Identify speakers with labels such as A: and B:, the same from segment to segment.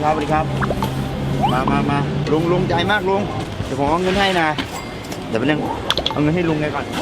A: ครับสวัสดีครับมาลุงใจมากลุงเดี๋ยวผมเอาเงินให้นะเดี๋ยวไปนึงเอาเงินให้ลุงไงก่อน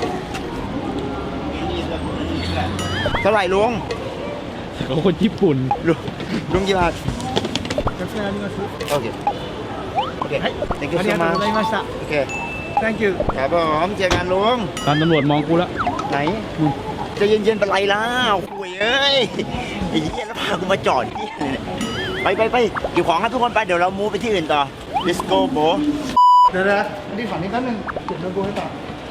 A: เท่าไหร่ลุง
B: เขาคนญี่ปุ่น
A: ลุงกี่บาทโอเค
C: はい
A: thank you
C: あり
A: so
C: がとう
A: much
C: ございました
A: โอเค
C: Thank you
A: ครับผมเจอกันลุง
B: ตามตำรวจมองกูแล้ว
A: ไหนจะเย็นๆเป็นไรล่ะคุยเอ้ยไอ้เหี้ยแล้วพากูมาจอดที่เนี่ยไปเก็บของครับทุกคนไปเดี๋ยวเรามูฟไปที่อื่นต่อ let's go bro
C: เดี๋ยวนี่ฝั่งนี้แป๊บนึงเก็บโน้ตบุ๊กให้ต่อ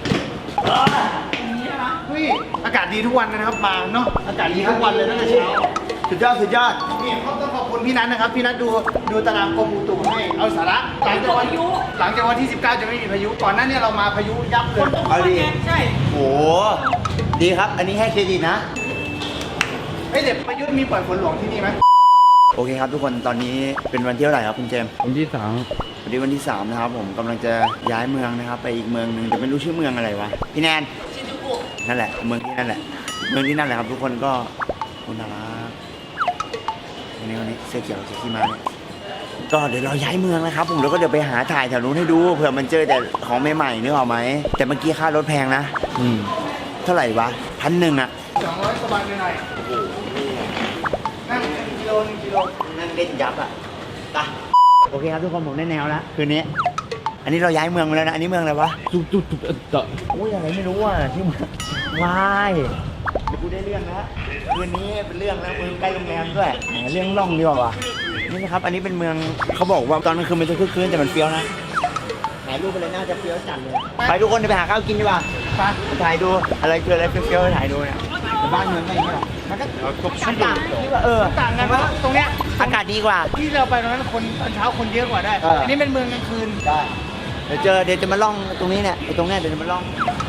C: เฮ้ยอากาศดีทุกวันนะครับมาเนาะอากาศดีทุกวันเลยตั้งแต่เช้า
A: สุดยอด
C: นี่เขาต้องขอบคุณพี่นัทนะครับพี่นัทดูตารางกรมอุตุให้เอาสาระหลังจากวันที่19จะไม่มีพายุก่อนหน้านี้เรามาพายุยับเลย
A: เอาดี
C: ใช่
A: โหดีครับอันนี้ให้เครดิตนะ
C: เฮ้ยเด็กประยุทธ์มีปล่อยฝนหลวงที่นี่ไหม
A: โอเคครับทุกคนตอนนี้เป็นวันที่เท่าไหร่ครับคุณเจมส์
B: วันที่3
A: วันนี้วันที่3นะครับผมกำลังจะย้ายเมืองนะครับไปอีกเมืองหนึ่งแต่ไม่รู้ชื่อเมืองอะไรวะพี่แนนนั่นแหละเมืองที่นั่นแหละครับทุกคนก็คุณน่ารักวันนี้เสื้อเขียวเสื้อขี้ม้าเนี่ยก็เดี๋ยวเราย้ายเมืองนะครับผมแล้วก็เดี๋ยวไปหาถ่ายแถวนู้นให้ดูเผื่อมันเจอแต่ของใหม่ๆนึกออกไหมแต่เมื่อกี้ค่ารถแพงนะเท่าไหร่วะ1,100 อ่ะ
C: 200 กว่าบาทหน่อยนั่ง1 กิโล
A: นั่งเล่นยับอ่ะไปโอเคครับทุกคนผมได้แนวแล้วคืนนี้อันนี้เราย้ายเมืองมาแล้วนะอันนี้เมืองอะไรวะ
B: จุ๊บ
A: อุ้ยอะไรไม่รู้อ่ะที่เมืองวายเดี๋ยวกูได้เรื่องแล้วคืนนี้เป็นเรื่องแล้วเมืองใกล้โรงแรมด้วยเรื่องล่องดีกว่านี่นะครับอันนี้เป็นเมืองเขาบอกว่าตอนกลางคืนมันจะคึกคืนแต่มันเฟี้ยวนะถ่ายรูปไปเลยน่าจะเฟี้ยวจัดเลยไปทุกคนไปหาข้าวกินดีกว่าไปถ่ายดูอะไรเฟี้ยวถ่ายดูเนี่ยบ้านเมืองก็อย่างนี้แหละมันก็ต่าง
C: ต่างกันเพราะตรงเนี้ย
A: อากาศดีกว่า
C: ที่เราไปตรงนั้นคนตอนเช้าคนเยอะกว่าได้อันนี้เป็นเมืองกลางคืน
A: ได้เดี๋ยวจะมาล่องตรงนี้เนี่ยตรงนี้เดี๋ยวจะมาล่อง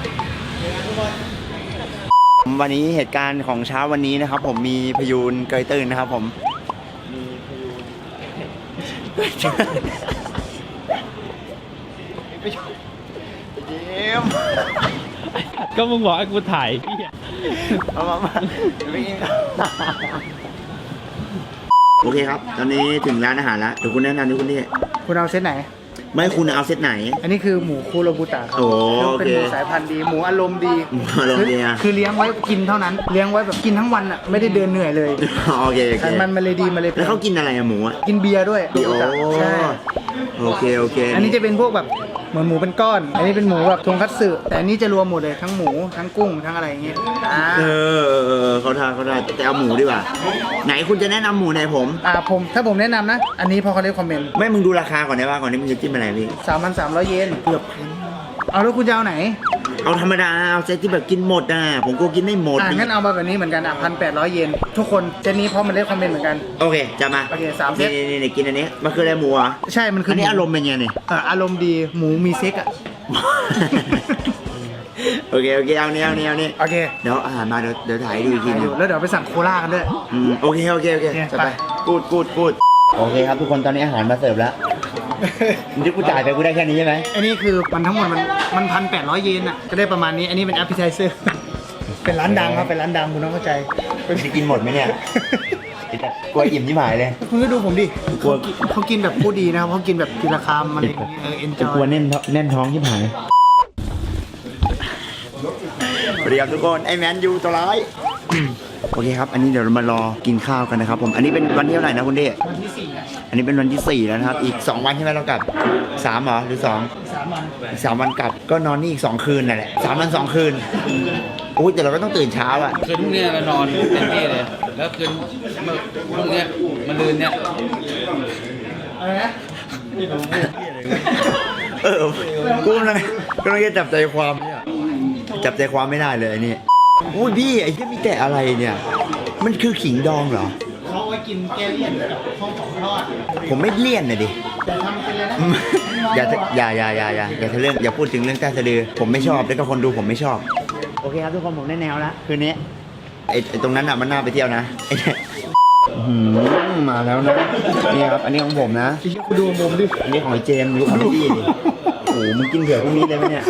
A: วันนี้เหตุการณ์ของเช้าวันนี้นะครับผมมีพยูนเกยตื้นนะครับผมมีพยูนยิ้ม
B: ก็มึงบอกให้กูถ่ายพี่
A: มาโอเคครับตอนนี้ถึงร้านอาหารแล้วเดี๋ยวคุณแนะนำดิคุณนี่
C: คุณเอาเซตไหน
A: ไม่คุณเอาเซตไหน
C: อันนี้คือหมูคูโรบุตะครับเป็นหมูสายพันธุ์ดีหมูอารมณ์ดีคือเลี้ยงไว้กินเท่านั้นเลี้ยงไว้แบบกินทั้งวันอ่ะไม่ได้เดินเหนื่อยเลย
A: โอเค
C: ไขมันมันเลยดีมาเลย
A: แล้วเขากินอะไรอะหมูอะ
C: กินเบียร์ด้วยใช่
A: โอเค
C: อันนี้จะเป็นพวกแบบเหมือนหมูเป็นก้อนอันนี้เป็นหมูแบบทงคัตสึแต่อันนี้จะรวมหมดเลยทั้งหมูทั้งกุ้งทั้งอะไรอย่างเงี้ย
A: เขาทานแต่เอาหมูดีกว่าไหนคุณจะแนะนำหมูไหนผม
C: ถ้าผมแนะนำนะอันนี้พอเขาได้คอมเมนต์
A: ไม่มึงดูราคาก่อนได้ป่ะก่อนที่มึงจะจิ้มอะไรพี่
C: 3,300 เยน
A: เกือบพัน
C: เอาแล้วคุณจะเอาไหน
A: เอาธรรมดาเอาเซตที่แบบกินหมดนะผมก็กินไม่หมด
C: งั้นเอามาแบบนี้เหมือนกัน1,800 เยนทุกคนเซตนี้เพราะมันได้คอมเมนต์เหมือนกัน
A: โอเคจะมา
C: โอเค3 เซต
A: นี่กินอันนี้มันคืออะไรหมูอ่ะ
C: ใช่มันคือ
A: อันนี้อารมณ์เป็นไงเนี่ย
C: อารมณ์ดีหมูมีเซ็กอ่ะ
A: โอเคเอาเนี่ย
C: โอเค
A: เดี๋ยวอาหารมาเดี๋ยวถ่ายดูอีกทีนึง
C: แล้วเดี๋ยวไปสั่งโคลากันด้วย
A: โอเคจะไปกูดโอเคครับทุกคนตอนนี้อาหารมาเสิร์ฟแล้วที่กูจ่ายไปกูได้แค่นี้ใช่ไหม
C: อันนี้คือมันทั้งหมดมัน1,800 เยนอ่ะก็ได้ประมาณนี้อันนี้เป็นแอปเปิลไทเซอร์เป็นร้านดังครับเป็นร้านดังคุณต้องเข้าใจ
A: จะกินหมดไหมเนี่ยกลัวอิ่มที่หมายเลย
C: คุณก็ดูผมดิเขากินแบบผู้ดีนะครับเขากินแบบทีละคำอะไรอย่างเงี้ยเอ็นจอย
B: กลัวแน่นท้องที่หาย
A: สวัสดีครับทุกคนไอแมนยูตัวร้ายโอเคครับอันนี้เดี๋ยวเรามารอกินข้าวกันนะครับผมอันนี้เป็นวันที่เท่าไหร่นะคุณเดช
C: วันที่4
A: อันนี้เป็นวันที่4แล้วนะครับอีก2วันใช่ไหมเรากลับ3เหรอหรือ2 3 วันกลับก็นอนนี่อีก2 คืนนั่นแหละ3 วัน 2 คืนโอ้ยแต่เราก็ต้องตื่นเช้าอ่ะ
B: คืนพรุ่งนี้เรานอนเต็มที่เลยแล้วคืนพรุ่งนี้มันลืนเนี่ย
C: อะไรนะ
A: กูกำลังจะจับใจความไม่ได้เลยนี่อุ้ยพี่ไอ้ที่มีแต่อะไรเนี่ยมันคือขิงดองเหรอ
C: เขาไว้กินแก้เลี่ยนข้าวของทอด
A: ผมไม่เลี่ยนนะดิ
C: แต่ทำเป็นเลยนะ
A: อย่าพูดถึงเรื่องใต้สะดือผมไม่ชอบแล้วก็คนดูผมไม่ชอบโอเคครับทุกคนผมได้แนวแล้วคืนนี้ไอ้ตรงนั้นอ่ะมันน่าไปเที่ยวนะมาแล้วนะนี่ครับอันนี้ของผมนะ
C: คุณดูผมดิ
A: อันนี้ของไอ้เจมส์ดูของพี่ดิโอ้โหมึงกินเผื่อพรุ่งนี้เลยไหมเนี่ย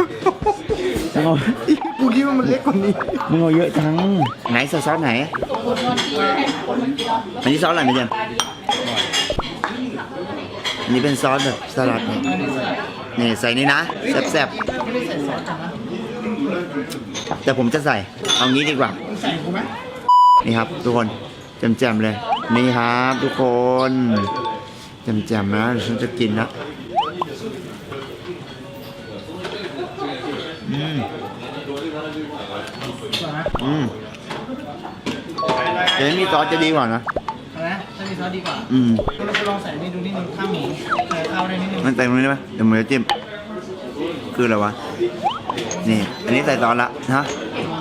C: กูคิดว่ามันเล็กกว่านี้
A: มึงเอาเยอะจังไหนซอสไหนอันนี้ซอสอะไรเนี่ยนนี้เป็นซอสแบบสลัดเนี่ยนี่ใส่นี่นะแซ่บ
C: ไม่ได้ใส่ซอสนะ
A: ๆแต่ผมจะใส่เอางี้ดีกว่า
C: มึงใส่กูไหม
A: นี่ครับทุกคนแจ่มๆเลย นี่ครับทุกคนแจ่มๆนะเดี๋ยวฉันจะกินนะแต่ไม่มีซอสจะดีกว่านะ
C: อะไรนะถ้ามีซอสดีกว่า เราจะลองใส่นี่ดูนิดนึงข้าวหมูใส่ข้าวได้นิดนึง
A: มันใส่ตรงนี้ได้ไหมเดี๋ยวมือจิ้มคืออะไรวะนี่อันนี้ใส่ซอสละฮะ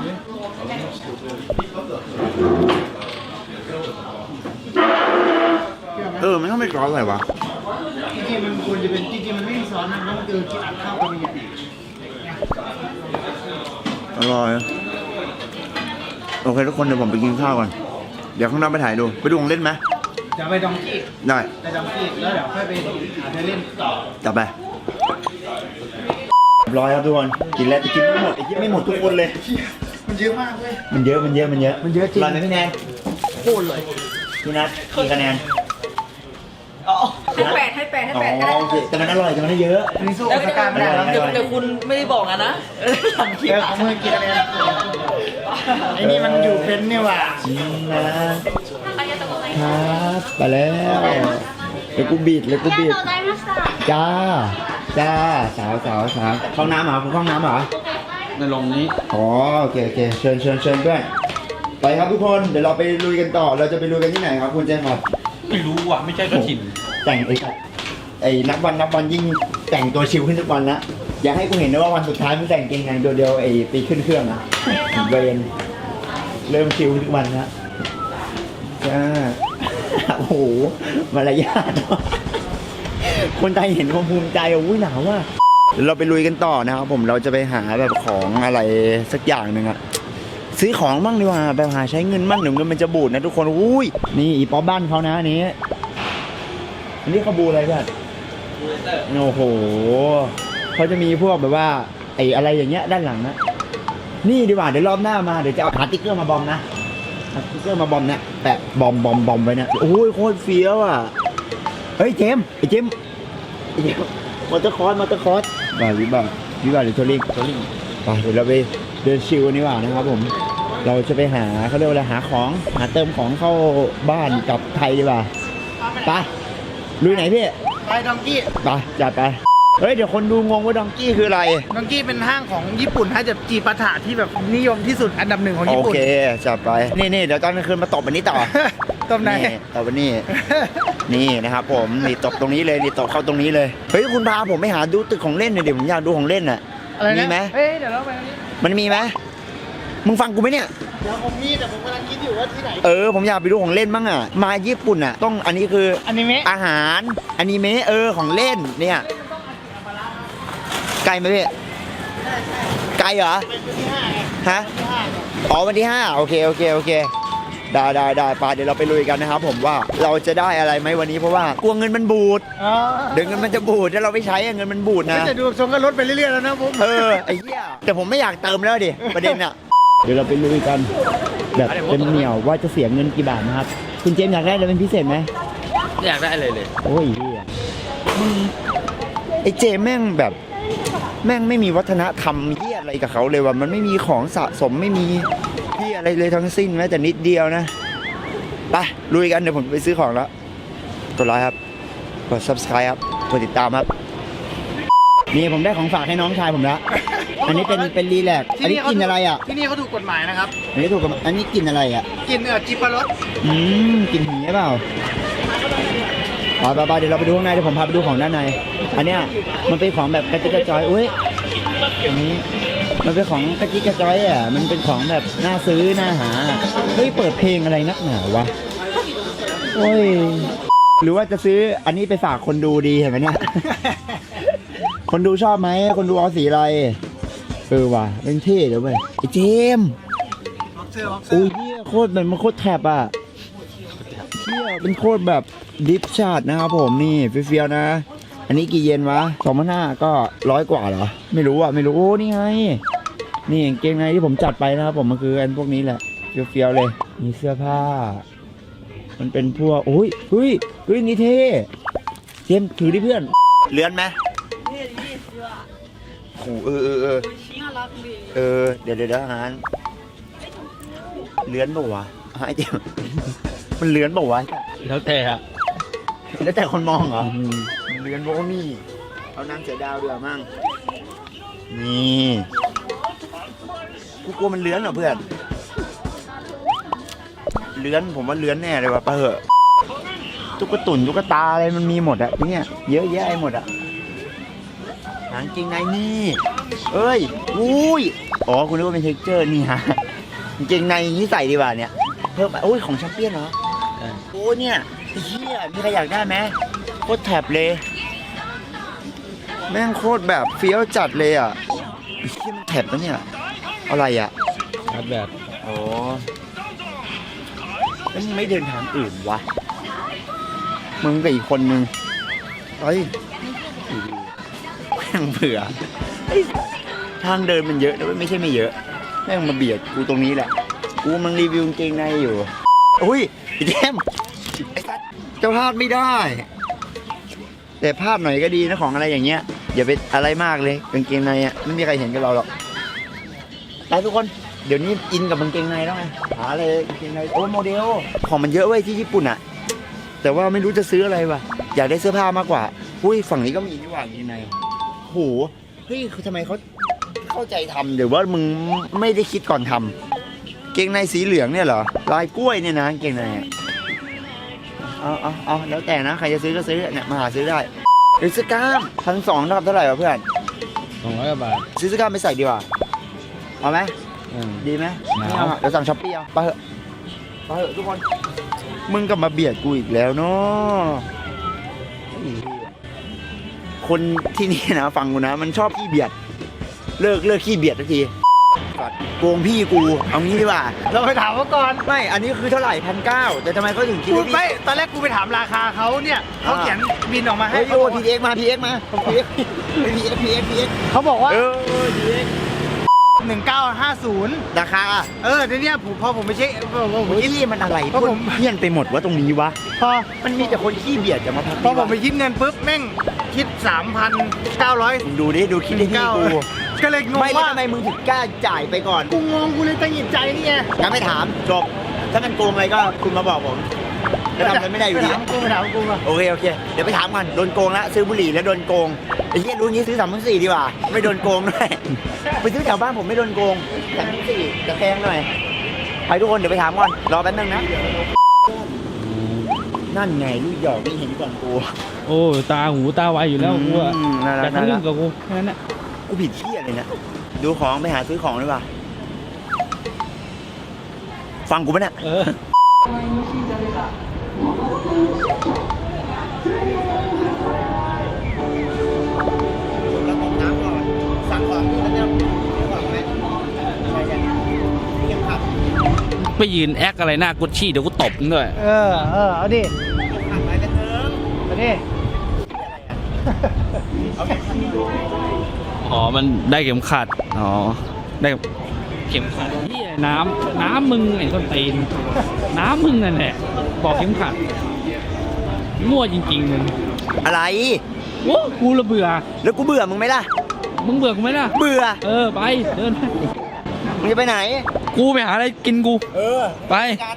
A: มันต้องไม่ซอสอะไรวะ
C: จริงๆมันควรจะเป็นจริงๆมันไม่มีซอสนะเพราะมันคือกินอัดข้าวกันอย่าง
A: อร่อยโอเคทุกคนเดี๋ยวผมไปกินข้าวก่อนเดี๋ยวข้างนอกไปถ่ายดูไปดูของเล่นไหม
C: จะไปดองกี้
A: ได้
C: ไปดองกี้แล้วเดี๋ยวค่อยไปหาเธอเล่นต่อ
A: จับไปร้อยครับทุกคนกินแล้วจะกินไม่หมดไอ้ที่ไม่หมดทุกคนเลย
C: มันเยอะมากเว้ย
A: มันเยอะจริง
C: มันเยอะไหมพี่แนน
A: โคตรเลยพี่นัทกี่คะแนน
D: ให้แปดก็ได้
A: โอเคแต่มันอร่อยแต่มันได้เยอะ
C: อันนี้สู้สกายไม่ได้แล้ว
A: เดี๋ยว
D: เดี๋ยวคุณไม่ได้บอกอะนะหลังคลิป
C: ของมือกินอะไรไอ้นี่มันอยู่เป็นเนี่ยว่ะ
A: จริงนะครับไปแล้วเดี๋ยวกูบีดจ้าสาวเข้าน้ำเหรอคุณเข้าน้ำเหรอ
B: ในลงนี้
A: อ๋อโอเคเชิญด้วยไปครับทุกคนเดี๋ยวเราไปลุยกันต่อเราจะไปลุยกันที่ไหนครับคุณเจนครับ
B: ไม่รู้ว่ะไม่ใช่เจ้าถิ่น
A: แต่งไอ้นับวันยิ่งแต่งตัวชิลขึ้นทุกวันละอยากให้กูเห็นนะว่าวันสุดท้ายมึงแต่งเกงในตัวเดียวไอ้ปีขึ้นเครื่องอะเวนเริ่มชิลทุกวันละจ้าโอ้โหมารยาทคนไทยเห็นความภูมิใจอุ้ยหนาวว่ะเดี๋ยวเราไปลุยกันต่อนะครับผมเราจะไปหาแบบของอะไรสักอย่างหนึ่งอะซื้อของบ้างดีกว่าไปหาใช้เงินบ้างเดี๋ยวเงินมันจะบูดนะทุกคนอุ้ยนี่อีป๊อปบ้านเขานะอันนี้เขาบูอะไรแบบโอ้โหเขาจะมีพวกแบบว่าไอ้อะไรอย่างเงี้ยด้านหลังนะนี่ดีกว่าเดี๋ยวรอบหน้ามาเดี๋ยวจะเอาหาติ๊กเกอร์มาบอมนะสติ๊กเกอร์มาบอมเนี่ยแปะบอมไว้เนี่ยโอ้ยโคตรเฟี้ยวอ่ะเฮ้ยเจมมอเตอร์คอร์สบ่าวิบากหรือทัวริงไปเดี๋ยวเราไปเดินชิลกันดีกว่านะครับผมเราจะไปหาเขาเรียกว่าอะไรหาเติมของเข้าบ้านกับไทยดีกว่าไปลุยไหนพี่
C: ไปดองกี้
A: ไปจัดไปเฮ้ยเดี๋ยวคนดูงงว่าดองกี้คืออะไร
C: ดองกี้เป็นห้างของญี่ปุ่นฮะจะจีปาถะที่แบบนิยมที่สุดอันดับหนึ่งของ
A: โอ
C: ญี่ปุ่น
A: เคจัดไปนี่เดี๋ยวตอนกลางคืนมาตบอันนี้ต่อ
C: ตบไหน
A: ตบอันนี้ นี่นะครับผมนี่ตบตรงนี้เลยนี่ตบเข้าตรงนี้เลยเฮ้ยคุณพาผมไปหาดูตึกของเล่นหน่อยดิผมอยากดูของเล่นน่ะ
C: อะไรนะ
A: มีไหม
C: เฮ้ยเดี๋ยวเราไปอันนี้
A: มันมีไหมมึงฟังกูไหมเนี่ย
C: เดี๋ยวผมมีแต่ผมกำลังคิดอยู่ว่าที่ไหน
A: ผมอยากไปดูของเล่นบ้างอ่ะมาญี่ปุ่นอ่ะต้องอันนี้คือ
C: อนิเมะ
A: อาหารอนิเมะของเล่นเนี่ยไกลไหมพี่ไกลเหรอ
C: เป็นที่ห้าไง
A: ฮะ
C: ที่ห้า
A: อ๋อวันที่5โอเคได้ไปเดี๋ยวเราไปลุยกันนะครับผมว่าเราจะได้อะไรไหมวันนี้เพราะว่ากลัวเงินมันบูด
C: อ๋อ
A: เดี๋ยวเงินมันจะบูดถ้าเราไม่ใช้อะเงินมันบูดนะ
C: จะดูทรงก็ลดไปเรื่อยๆแล้วนะผม
A: ไอ้เหี้ยแต่ผมไม่อยากเติมแล้วดิประเด็นอะเดี๋ยวเราไปลุยกันแบบเต็มเหนียวว่าจะเสียเงินกี่บาทนะครับคุณเจมส์อยากได้อะไรเป็นพิเศษไหม
B: ไม่อยากได้อะไรเลย
A: โอ้ยเหี้ยไอ้เจมส์แม่งแบบแม่งไม่มีวัฒนธรรมเหี้ยอะไรกับเขาเลยว่ะมันไม่มีของสะสมไม่มีเหี้ยอะไรเลยทั้งสิ้นแม้แต่นิดเดียวนะไปลุยกันเดี๋ยวผมไปซื้อของแล้วกดไลค์ครับกด subscribe ครับกดติดตามครับนี่ผมได้ของฝากให้น้องชายผมแล้วอันนี้เป็นรีแลกซ์อันนี้กินอะไรอ่ะ
C: ที่นี่เขาถูกกฎหมายนะครับ
A: อันนี้ถูกกับอันนี้กินอะไรอ่ะ
C: กินจิปารส
A: กินหีเปล่าไปเดี๋ยวเราไปดูข้างในเดี๋ยวผมพาไปดูของด้านในอันเนี้ยมันเป็นของแบบกระจิกกระจอยอุ้ยอันนี้มันเป็นของกระจิกกระจอยอ่ะมันเป็นของแบบน่าซื้อน่าหาเฮ้ยเปิดเพลงอะไรนักหนาวะโอ้ยหรือว่าจะซื้ออันนี้ไปฝากคนดูดีเห็นไหมเนี่ย คนดูชอบไหมคนดูเอาสีอะไรว่ะเป็นเท่เดี๋ยวไปไอ้เจมส์
C: บ็อกเซอร์
A: อุ้ยเหี้ยโคตรมันโคตรแถบอ่ะเหี้ยเป็นโคตรแบบดิฟชาร์ดนะครับผมนี่เฟี้ยวๆนะ อันนี้กี่เยนวะ2,500ก็100 กว่าเหรอไม่รู้โอ้นี่ไงนี่กางเกงในที่ผมจัดไปนะครับผมมันคืออันพวกนี้แหละเฟี้ยวๆเลยมีเสื้อผ้ามันเป็นพวกโอ้ยเฮ้ยนี่เท่
B: จมส์ถือดิเพื่อน
A: เลื้อนไหมโอ้เดี๋ยวอาหารเลื้อนเปล่าวะไอ้เจมส์มันเลื้อนเปล่าวะ
B: แล้วแต่อะ
A: แล้วแต่คนมองเหรอเลื้อนโบนี่เอานางเสือดาวด้วยมั่งนี่กูกลัวมันเลื้อนเหรอเพื่อนเลื้อนผมว่าเลื้อนแน่เลยว่ะไปเหอะตุ๊กตุ่นตุ๊กตาอะไรมันมีหมดอะที่เนี่ยเยอะแยะหมดอะหางจริงในนี่เอ้ยอุ้ยอ๋อคุณนึกว่าเป็นเท็กเจอร์นี่ฮะจริงในนี้ใส่ดีกว่าเนี่ยเพิ่มโอ้ยของแชมเปี้ยนเหรอโอ้เนี่ยไอ้เหี้ยมีใครอยากได้ไหมโคตรแถบเลยแม่งโคตรแบบเฟี้ยวจัดเลยอ่ะไอ้เหี้ยมันแถบแล้วเนี่ยอะไรอ่ะ
B: ชาร์จแบต
A: โอ้แล้วมึงไม่เดินทางอื่นวะมึงกับอีกคนนึงเฮ้ยแม่งเผื่อเฮ้ยทางเดินมันเยอะนะไม่ใช่ไม่เยอะแม่งมาเบียดกูตรงนี้แหละกูมึงรีวิวกางเกงในอยู่อุ้ยไอ้แจมไอ้สัสเจ้าพลาดไม่ได้ แต่พลาดหน่อยก็ดีนะของอะไรอย่างเงี้ยอย่าไปอะไรมากเลยกางเกงในอ่ะไม่มีใครเห็นกับเราหรอกไปทุกคนเดี๋ยวนี้อินกับกางเกงในแล้วไงหาเลยกางเกงในโอ้โมเดลของมันเยอะเว้ยที่ญี่ปุ่นอ่ะแต่ว่าไม่รู้จะซื้ออะไรวะอยากได้เสื้อผ้ามากกว่าอุ้ยฝั่งนี้ก็มีนี่หว่ากางเกงในโหเฮ้ยคือทำไมเขาเข้าใจทำหรือว่ามึงไม่ได้คิดก่อนทำเกงในสีเหลืองเนี่ยเหรอลายกล้วยเนี่ยนะเกงในเอาแล้วแต่นะใครจะซื้อก็ซื้อเนี่ยมาหาซื้อได้หรือเสื้อกล้าม1,200นะครับเท่าไหร่วะเพื่อน
B: 200 กว่าบาท
A: ซื้อเสื้อกล้ามไปใส่ดีกว่าเอาไหมดีไหม
B: หนาว
A: ไม่เอาอะเดี๋ยวสั่งช้อปปี้เอาไปเถอะทุกคนมึงกลับมาเบียดกูอีกแล้วเนาะคนที่นี่นะฟังกูนะมันชอบขี้เบียดเลิกขี้เบียดทันทีโกงพี่กูเอางี้ดีกว่า
C: เราไปถามเขาก่อน
A: ไม่อันนี้คือเท่าไหร่1,900แต่ทำไมเขาถึงคิด
C: กู
A: ว่าพี่
C: ไม่ตอนแรกกูไปถามราคาเขาเนี่ยเขาเขียนบินออกมาให้
A: เฮ้ย
C: เขา
A: โอ้
C: บอก
A: พีเอ็กมาพีเอ็ก
C: เขาบอกว่า
A: พีเอ็ก
C: 1950
A: ราคา
C: เดี๋ยวเนี้พอผมไม่ใช่ผม
A: เฮ้ยมันอะไร
C: เพราะผม
A: เพี้ยนไปหมดว่าตรงนี้วะ
C: พอ
A: มันมีแต่คนขี้เบียดจะมาพัก
C: พอผมไปคิดเงินปุ๊บแม่งคิด 3,900
A: มึงดูดิดูคิดได้ที่กู
C: ก็เลยงง
A: ไม่แล้ว
C: ว่า
A: ทำไมมึงถึงกล้าจ่ายไปก่อน
C: กูงงกูเลยตัดสินใจนี่ไง
A: งั้นไม่ถามจบถ้ามันโกงอะไรก็คุณมาบอกผมจะทำอะไรไม่ได้อยู่ดี
C: ไปถามกูมา
A: โอเคเดี๋ยวไปถามก่อนโดนโกงแล้วซื้อบุหรี่แล้วโดนโกงไอ้เหี้ยรู้งี้ซื้อ3,400ดีกว่าไม่โดนโกงด้วยไปซื้อแถวบ้านผมไม่โดนโกง3,400จะแพงหน่อยไปทุกคนเดี๋ยวไปถามก่อนรอแป๊บนึงนะนั่นไงลูกหยอกนี่เห็นก่อนกู
B: โอ้ตาหูตาไวอยู่แล้วกูอะ
A: น่ารั
B: แต่
A: ก
B: ทะลึ่งกับกูแค่นั้นแหละ
A: กูผิดที่อะไรเนี่ยดูของไปหาซื้อของดีกว่าฟังกูปะเนี่ย
B: เออ
A: แล้วต้มน้ำก่อนสั่งของแล้วเนี่ยซื้อของไหมใช่เยี่ยมครับ
B: ไปยืนแอคอะไรหน้ากุชชี่เดี๋ยวกูตบมึงด้วย
C: เอาดิ
A: ขับไปกันเถอะ
C: เอาดิ
A: เอาแค่ขันดู
B: อ๋อ มันได้เข็มขัด อ๋อ ได้เข็มขัดเหียน้ำมึงไอ้ต้นตีน น้ำมึงนั่นแหละ บอกเข็มขัด มั่วจริงๆมึง
A: อะไร
B: โอ้กูละเบื่อ
A: แล้วกูเบื่อมึงไหมล่ะ
B: มึงเบื่อกูไหมล่ะ
A: เบื่อ
B: เออ ไป เดินไป
A: มึงจะไปไหน
B: กูไปหาอะไรกินกู
A: เออ
B: ไป
A: กัน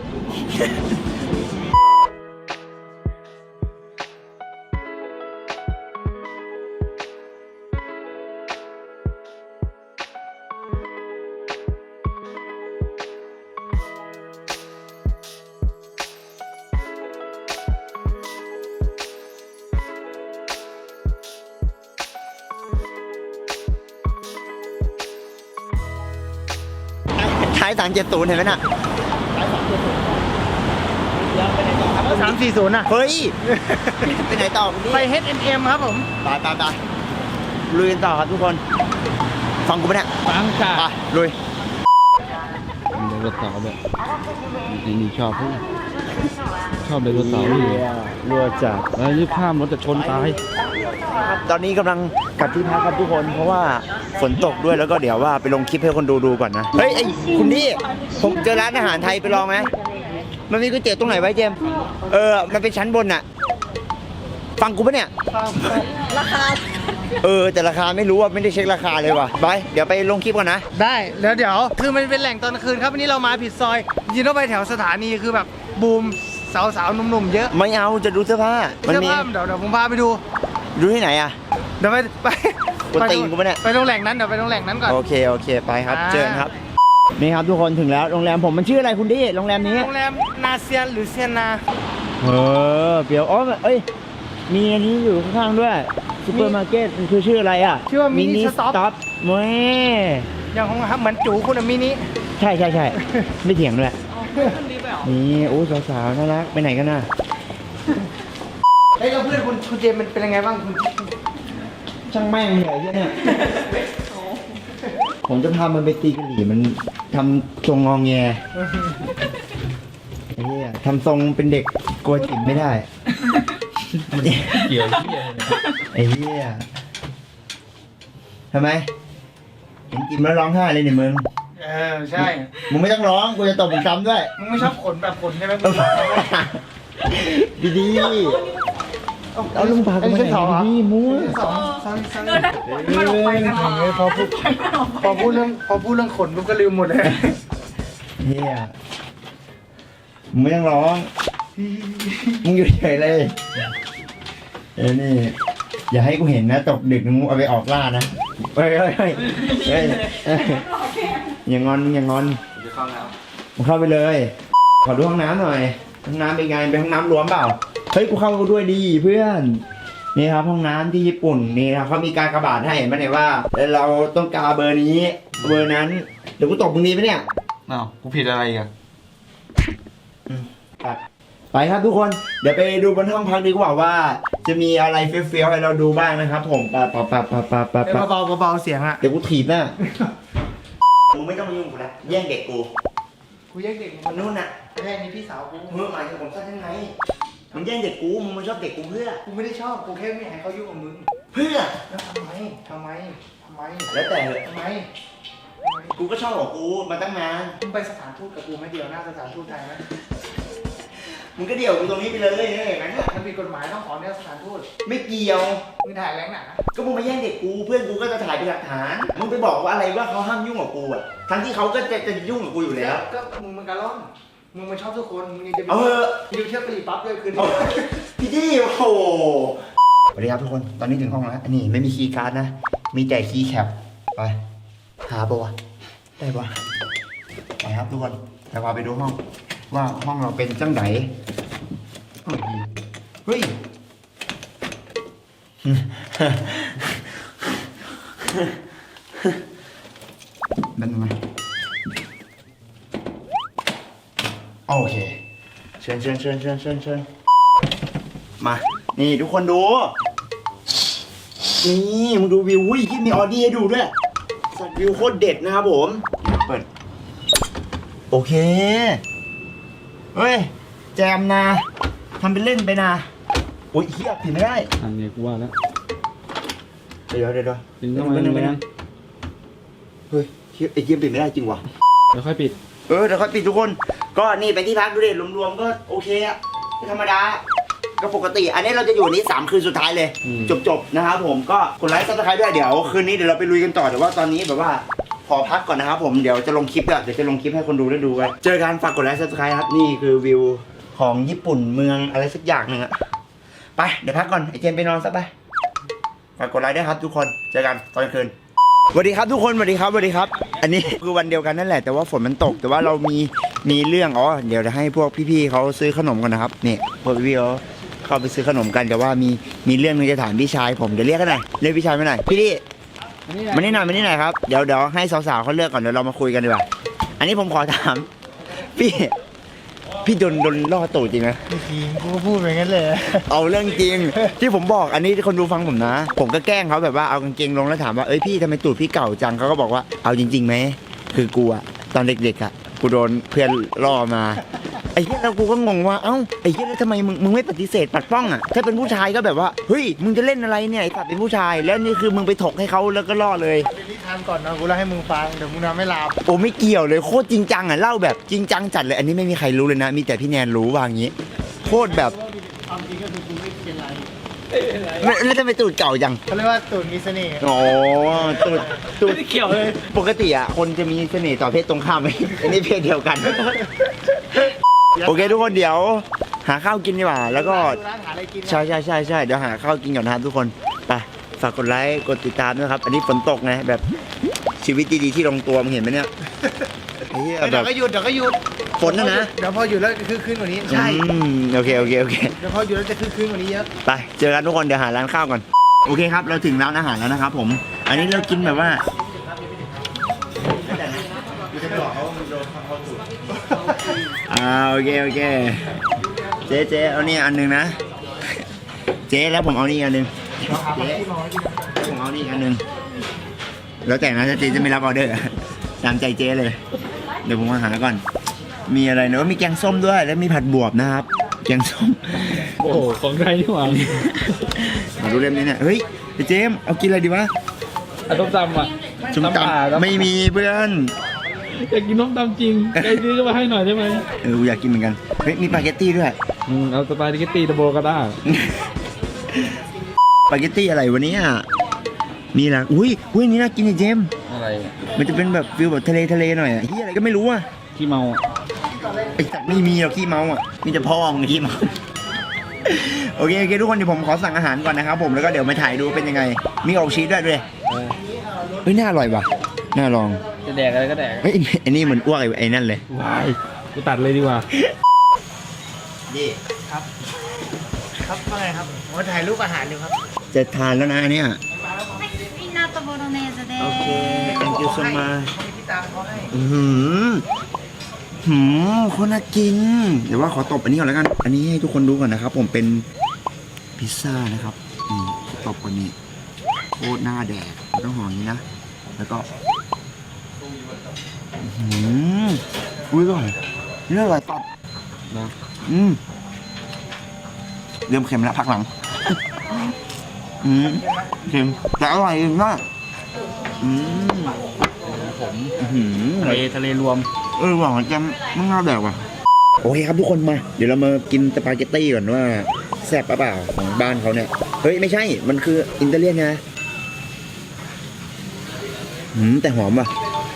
A: ท้าย370เห็นไหมน่ะ
C: 340น่ะ
A: เฮ้ย ไปไหนต่อคุณ
C: ไป
A: พี่
C: H&M ครับผม
A: ไปลุยกันต่อครับทุกคน ฟังกูปะเนี่ย
B: ฟังค่ะ
A: ไปลุย
B: ไดโนเสาร์แบบนี่ชอบพวกชอบไดโนเสาร์อยู่
A: รัวจัด
B: แล้วรีบข้ามรถจะชนตาย
A: ตอนนี้กำลังกลับที่พักครับทุกคน เพราะว่าฝนตกด้วยแล้วก็เดี๋ยวว่าไปลงคลิปให้คนดูก่อนนะ เฮ้ยไอ้คุณพี่ผมเจอร้านอาหารไทยไปลองไหมมันมีก๋วยเตี๋ยวตรงไหนไว้เจมส์มันเป็นชั้นบนน่ะฟังกูปะเนี่ย
D: ราคา
A: แต่ราคาไม่รู้ว่าไม่ได้เช็คราคาเลยว่ะไปเดี๋ยวไปลงคลิปก่อนนะ
C: ได้แล้วเดี๋ยวคือมันเป็นแหล่งตอนกลางคืนครับวันนี้เรามาผิดซอยยินเข้าไปแถวสถานีคือแบบบูมสาวๆหนุ่มๆเยอะ
A: ไม่เอาจะดูเสื้อผ้ามัน
C: เสื้อ
A: มี
C: ผ้าเดี๋ยวผมพาไปดู
A: ดูที่ไหนอ่ะ
C: เดี๋ยวไป
A: กวนตีนกูปะเนี่ย
C: ไปโรงแหล่งนั้นเดี๋ยวไปโรงแหล่งนั้นก่อน
A: โอเคไปครับ
C: อ่า
A: เจอกันครับนี่ครับทุกคนถึงแล้วโรงแรมผมมันชื่ออะไรคุณดิโรงแรมนี้
C: โรงแรมนาเซียนหรือเซียนนา
A: เปียวอ๋อเอ้ยมีอันนี้อยู่ข้างๆด้วยซูเปอร์มาร์เก็ตมันคือชื่ออะไรอ่ะ
C: ชื่อว่ามินิสต็อป
A: เว้ย
C: อย่างของเหมือนจูคุณอะมินิ
A: ใช่ ไม่เถียงด้วยนี่โอ้สาวๆน่ารักไปไหนกันน่ะ
C: เฮ้ยแล้วเพื่อนคุณเจมส์มันเป็นยังไงบ้างคุณ
A: ช่างแม่งเลยเนี่ยผมจะพามันไปตีกะหรี่มันทำทรงงองแงไอ้เหี้ยทำทรงเป็นเด็กกลัวจิ๋มไม่ได้
B: เกี่ยว
A: ไอ้เหี้ยทำไมเห็นจิ๋มแล้วร้องไห้เลยเนี่ยมึง
C: ใช่
A: มึงไม่ต้องร้องกูจะตบมึงซ้ำด้วย
C: มึงไม่ชอบขนแบบขนใช่ไหม
A: ดีๆเอาลุงพากูมาไหนดีๆมั่ว
D: เงินได้มันออกไปกัน
C: พอพูดเรื่องขนกูก็ลืมหมดเลย
A: เฮียมึงไม่ต้องร้อง มึงอยู่เฉยเลยนี่ อย่าให้กูเห็นนะตกดึกมึงเอาไปออกล่านะเฮ้ยอย่างงอนอย่างงอนมึงเข้าไปเลย ขอดูห้องน้ำหน่อย ห้องน้ำเป็นไง เป็นห้องน้ำรวมเปล่า เฮ้ยกูเข้าด้วยดีเพื่อน นี่ครับห้องน้ำที่ญี่ปุ่นนี่นะเขามีการกระบาดให้เห็นไหมเนี่ยว่าเราต้องการเบอร์นี้เบอร์นั้น เดี๋ยวกูตบมึงดีไหมเนี่ย
B: อ้าวกูผิดอะไรอีกัน
A: ไปครับทุกคน เดี๋ยวไปดูบนห้องพักดีกว่าว่า จะมีอะไรเฟี้ยวๆให้เราดูบ้างนะครับผมไป
C: เบาเสียงอะ
A: เดี๋ยวกูถีบหน้ามึงไม่ต้องมายุ่งกูนะแย่งเด็กกู
C: กูแย่งเด็ก
A: มันนู่นน่ะ
C: แย่งนี่พี่สาวกู
A: มึงหมายถึงผมซะทั้งไงมึงแย่งเด็กกูมึงชอบเด็กกูเพื่อ
C: กูไม่ได้ชอบกูแค่ไม่อยากให้เขายุ่งกับมึง
A: เพื่อ
C: แล้วทำไม
A: แล้วแต่เลย
C: ทำไม
A: กูก็ชอบของกูมาตั้งนาน
C: มึงไปสถานทูตกับกูไม่เดียวหน้าสถานทูตไทยไหม
A: มึงก็เดี่ยวกูตรงนี้ไปเลยอย่างนั้นน่ะ
C: มันผิดกฎหมายต้องขอเนี่ยสถานทูต
A: ไม่เกี่ยว
C: มึงถ่ายแรงหนา
A: ก็มึงมาแย่งเด็กกูเพื่อนกูก็จะถ่ายเป็นหลักฐานมึงไปบอกว่าอะไรว่าเขาห้ามยุ่งกับกูอ่ะทั้งที่เขาก็จะยุ่งกับกูอยู่แล้ว
C: ก็มึงมันกระล่อนมึงมันชอบทุกคนมึงยังจะไป
A: เอาเถอะ
C: ยูเที่ยวกะหรี่ปั๊บด้วยคืน
A: เอาพี่ดี้โอ้โหสวัสดีครับทุกคนตอนนี้ถึงห้องแล้วอันนี้ไม่มีคีย์การ์ดนะมีแต่คีย์แคปไปหาปะวะได้ปะไปครับทุกคนแต่พาไปดูห้องว่าห้องเราเป็นจังไหนเฮ้ยนั่นไงโอเคเชิญมานี่ทุกคนดูนี่มึงดูวิวอุ้ยที่มีออดี้ให้ดูด้วยสัตว์วิวโคตรเด็ดนะครับผมเปิดโอเคเฮ้ยแจมนะทำเป็นเล่นไปนะโอ้ยเฮียผิดไม่ได้
B: อันนี้กูว่าแล้ว
A: เดี๋ยว
B: ปิดเข้ามาแรง
A: เฮ้ยเฮียไอ้เกมปิดไม่ได้จริงวะ
B: ๆเดี๋ยวค่อยปิด
A: เดี๋ยวค่อยปิดทุกคน ก็นี่เป็นที่พักดูดิรวมๆก็โอเคอะไม่ธรรมดา ก็ปกติ อันนี้เราจะอยู่นี้3คืนสุดท้ายเลย จบนะครับผม ก็กดไลค์ซับสไครต์ด้วย เดี๋ยวคืนนี้เดี๋ยวเราไปลุยกันต่อ แต่ว่าตอนนี้แบบว่าขอพักก่อนนะครับผม เดี๋ยวจะลงคลิปด้วยเดี๋ยวจะลงคลิปให้คนดูได้ดูกัน เจอกันฝากกดไลค์ซับสไครต์ครับ นี่คือวิวของญี่ปุ่นเมืองอะไรสักอย่างหนึ่งอะไป เดี๋ยวพักก่อน ไอเจมไปนอนซะไป ฝากกดไลค์ด้วยครับทุกคน เจอกันตอนกลางคืน สวัสดีครับทุกคนสวัสดีครับ อันนี้คือวันเดียวกันนั่นแหละแต่ว่าฝนมันตกแต่ว่าเรามีเรื่องเดี๋ยวจะให้พวกพี่ๆเขาซื้อขนมกันนะครับนี่พวกพี่ๆเขาเข้าไปซื้อขนมกันแต่ว่ามีเรื่องนึงจะถามพี่ชายผมเดี๋ยวเรียกกันหน่อยเรียกพี่ชายมาหน่อยพี่ดิมานี่หน่อยครับเดี๋ยวให้สาวๆเขาเลือกก่อนเดี๋ยวเรามาคุยกันดีกว่าอันนี้ผมขอถามพี่โดนล่อตูดจริงไหม
C: จริงกูพูดไปงั้นเลย
A: เอาเรื่องจริงที่ผมบอกอันนี้คนดูฟังผมนะ ผมก็แกล้งเขาแบบว่าเอากางเกงลงแล้วถามว่าเอ้ยพี่ทำไมตูดพี่เก่าจังเขาก็บอกว่าเอาจริงๆไหมคือกูอะตอนเด็กๆอะกูโดนเพื่อนล่อมาไอ้เหี้ยแล้วกูก็งงว่าเอ้าไอ้เหี้ยแล้วทำไมมึงไม่ปฏิเสธปัดป้องอะถ้าเป็นผู้ชายก็แบบว่าเฮ้ยมึงจะเล่นอะไรเนี่ยไอ้สัตว์เป็นผู้ชายแล้วนี่คือมึงไปถกให้เขาแล้วก็ล่อเลย
C: เป็นนิทานก่อนนะกูเล่าให้มึงฟังเดี๋ยวมึงนอนไม่หลับ
A: โอ้ไม่เกี่ยวเลยโคตรจริงจังอะเล่าแบบจริงจังจัดเลยอันนี้ไม่มีใครรู้เลยนะมีแต่พี่แนนรู้ว่าอย่างนี้โคตรแบบ
C: ความจริงก็คือกูไม่เป็นไร
A: แล้วทำไมตูดเก่าจัง
C: เขาเรียกว่าตูดมีเสน่ห์
A: อ๋อตูด
B: ไม่ได้เกี่ยวเลย
A: ปกติอ่ะคนจะมีเสน่ห์ต่อเพศตรงข้ามไหม อันนี้เพศเดียวกัน โอเคทุกคนเดี๋ยวหาข้าวกินดีกว่า แล้วก็
C: ดูร้านหาอะไรกินนะ
A: ใช่เดี๋ยวหาข้าวกินก่อนนะครับทุกคนไปฝากกดไลค์กดติดตามด้วยครับ อันนี้ฝนตกไงแบบชีวิตดีๆที่ลงตัวมึงเห็นไหมเนี่ยไอ้เหี้ยแบ
C: เดี๋ย
A: บ
C: วก็หยุดเดี๋ยวก็หยุด
A: ฝนนะ
C: เดี๋ยวพอหยุดแล้วคือคืนกว่านี้ใช่
A: โอเค
C: เดี๋ยวพอหยุดแล้วจะคือคืนกว่านี้เยอะ
A: ไปเจอกันทุกคนเดี๋ยวหาร้านข้าวก่อนโอเคครับเราถึงร้านอาหารแล้วนะครับผม อันนี้เรากินแบบว่าโอเคเจ๊เอานี่อันหนึงนะ เจ๊แล้วผมเอานี่อันหนึงเจ๊ผมเอานี่อันหนึงแล้วแต่นะถ้าเจ๊จะไม่รับออเดอร์ตามใจเจ๊เลย เดี๋ยวผมมาหาก่อน มีอะไรเนอะมีแกงส้มด้วยแล้วมีผัดบวบนะครับ แกงส้ม
B: โอ้โหของใครนี่หว่า
A: มาดูเล่มนี้เนี่ยเฮ้ยไอ้เจมส์เอากินอะไรดีวะ
B: อะต้มตำอ่ะ
A: จุ่ม
B: ตำป่า
A: ตำไม่มีเพื่อน
B: อยากกินต้มตำจริงใครซื้อก็มาให้หน่อยได้ไหม
A: กูอยากกินเหมือนกันเฮ้ยมีสปาเกตตี้ด้วย
B: เอาสปาเกตตี้ดับเบิลก็ได้
A: สปาเกตตี้อะไรวะเนี่ยนี่แหละอุ้ยนี่น่ากินไอ้เจมส์
B: อะไร
A: มันจะเป็นแบบฟิลแบบทะเลหน่อยอะที่อะไรก็ไม่รู้อะ
B: ขี้เมาอ่ะ
A: ไอ้สัตว์ไม่มีหรอกขี้เมาอ่ะมีแต่พ่อมึงขี้เมา โอเคทุกคนเดี๋ยวผมขอสั่งอาหารก่อนนะครับผมแล้วก็เดี๋ยวมาถ่ายดูเป็นยังไง มีอกชีสด้วยเฮ้ยน่าอร่อยว่ะน่าลอง
B: จะแดกอะไรก็แดก
A: เฮ้ยไอ้นี่เหมือนอ้วกไอ้นั่นเลย
B: ว้ายกูตัดเลยดีกว่า
A: นี่
C: ครับว่าไงครับผมถ่ายรูปอาหารอยู่ครับ
A: จะทานแล้วนะอันเนี่ย
D: ピーナッツボロネーゼで
A: โอเค
D: す。
A: thank you so much
C: เขามีที่ตามเขาให้
A: คนน่ากิน เดี๋ยวว่าขอตบอันนี้ก่อนแล้วกัน อันนี้ให้ทุกคนดูก่อนนะครับ ผมเป็นพิซซ่านะครับตบวันนี้โคตรหน้าแดกต้องห่ออย่างนี้นะ แล้วก็อุ้ยอร่อยเรื่องอะไรตับนะเริ่มเค็มแล้วพักหลังเค็มแต่อร่อยมาก
B: ทะเลรวม
A: หวานจังไม่น่าแดกว่ะโอเคครับทุกคนมาเดี๋ยวเรามากินสปาเกตตี้ก่อนว่าแซ่บเปล่าของบ้านเขาเนี่ยเฮ้ยไม่ใช่มันคืออิตาเลียนไงแต่หอมว่ะ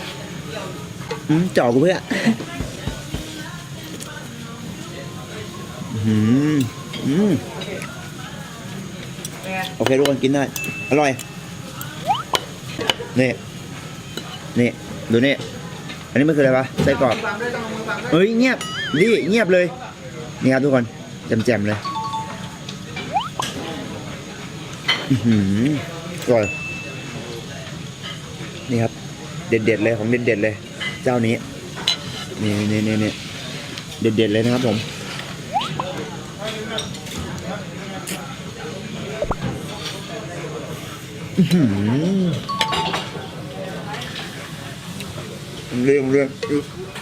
A: จ่อกูเพื่อโอเคทุกคนกินได้อร่อยนี่ดูนี่อันนี้มันคืออะไรวะไส้กรอกเฮ้ยเงียบเงียบเลยนี่ครับทุกคนแจ่มๆเลยอร่อยนี่ครับเด็ดๆเลยของเด็ดๆเลยเจ้านี้นี่เด็ดๆเลยนะครับผมเรื่อง